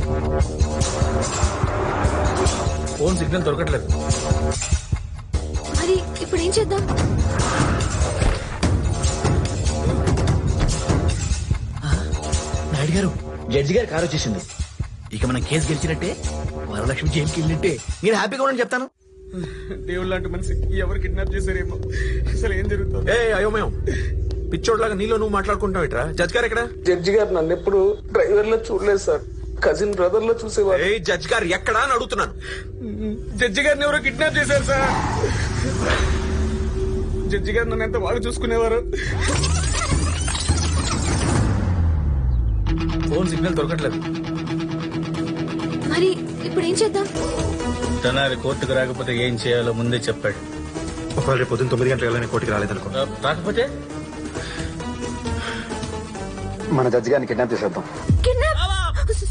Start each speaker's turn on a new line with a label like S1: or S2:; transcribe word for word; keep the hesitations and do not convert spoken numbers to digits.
S1: Phone signal దొరకట్లేదు.
S2: మరి ఇప్పుడు ఏం చేద్దాం?
S1: నాయుడు గారు, జడ్జి గారు కారు వచ్చేసింది. ఇక మనం కేసు గెలిచినట్టే, వరలక్ష్మి జైలుకి వెళ్ళినట్టే. నేను హ్యాపీగా ఉండని చెప్తాను.
S3: దేవుడు లాంటి మనిషి ఎవరు కిడ్నాప్ చేశారేమో, అసలు ఏం జరుగుతుంది?
S4: ఏ అయోమయం, పిచ్చోడ్లాగా నీలో నువ్వు మాట్లాడుకుంటావు ఇట్రా. జడ్జ్ గారు ఎక్కడ?
S3: జడ్జి గారు నన్ను ఎప్పుడు డ్రైవర్ లో చూడలేదు సార్, కజిన్ బ్రదర్ లో చూసేవారు.
S4: ఏ జడ్జ్ గారు ఎక్కడా అని అడుగుతున్నాను.
S3: జడ్జి గారిని ఎవరో కిడ్నాప్ చేశారు సార్. జడ్జి గారు నన్ను ఎంత బాగా చూసుకునేవారు.
S1: ఫోన్ సిగ్నల్ దొరకట్లేదు.
S2: మరి ఇప్పుడు ఏం చేద్దాం?
S1: తెనాలి కోర్టుకు రాకపోతే ఏం చేయాలో ముందే చెప్పాడు.
S4: ఒకవేళ రేపు పొద్దున్న తొమ్మిది గంటల వెళ్ళని కోర్టుకి రాలేదనుకో,
S1: రాకపోతే
S5: మన జడ్జి గారిని కిడ్నాప్ చేసేద్దాం.